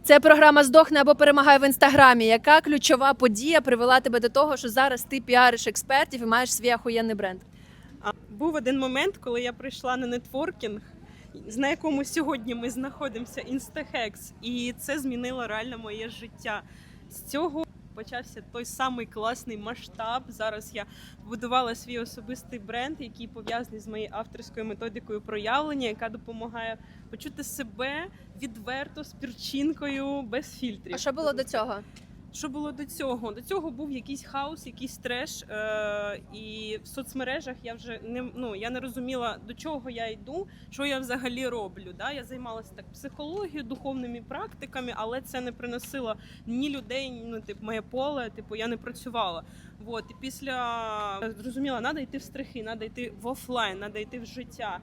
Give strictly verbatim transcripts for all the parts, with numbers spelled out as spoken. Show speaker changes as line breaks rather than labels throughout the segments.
Це програма «Здохни або перемагай» в інстаграмі. Яка ключова подія привела тебе до того, що зараз ти піариш експертів і маєш свій ахуєнний бренд?
А, Був один момент, коли я прийшла на нетворкінг, на якому сьогодні ми знаходимося, Instahex, і це змінило реально моє життя. З цього почався той самий класний масштаб. Зараз я будувала свій особистий бренд, який пов'язаний з моєю авторською методикою проявлення, яка допомагає почути себе відверто, з перчинкою, без фільтрів.
А що було до цього?
Що було до цього? До цього був якийсь хаос, якийсь треш, е- і в соцмережах я вже не ну я не розуміла, до чого я йду, що я взагалі роблю. Да? Я займалася так психологією, духовними практиками, але це не приносило ні людей, ні ну, типу, моє поле. Типу, я не працювала. Вот. І після зрозуміла, треба йти в страхи, треба йти в офлайн, треба йти в життя.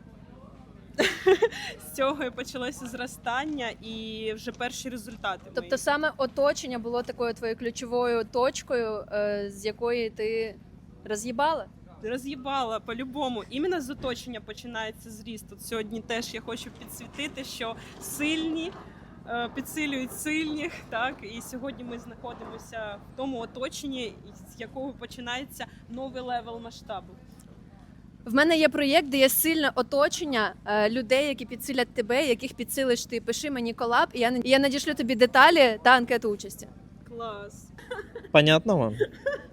З цього і почалося зростання і вже перші результати.
Тобто
мої.
саме оточення було такою твоєю ключовою точкою, е, з якої ти роз'їбала?
Роз'їбала по-любому. Іменно з оточення починається зріст. От сьогодні теж я хочу підсвітити, що сильні е, підсилюють сильних. Так? І сьогодні ми знаходимося в тому оточенні, з якого починається новий левел масштабу.
В мене є проєкт, де є сильне оточення е, людей, які підсилять тебе, яких підсилиш ти. Пиши мені колаб, і я, і я надішлю тобі деталі та анкету участі.
Клас.
Понятно вам?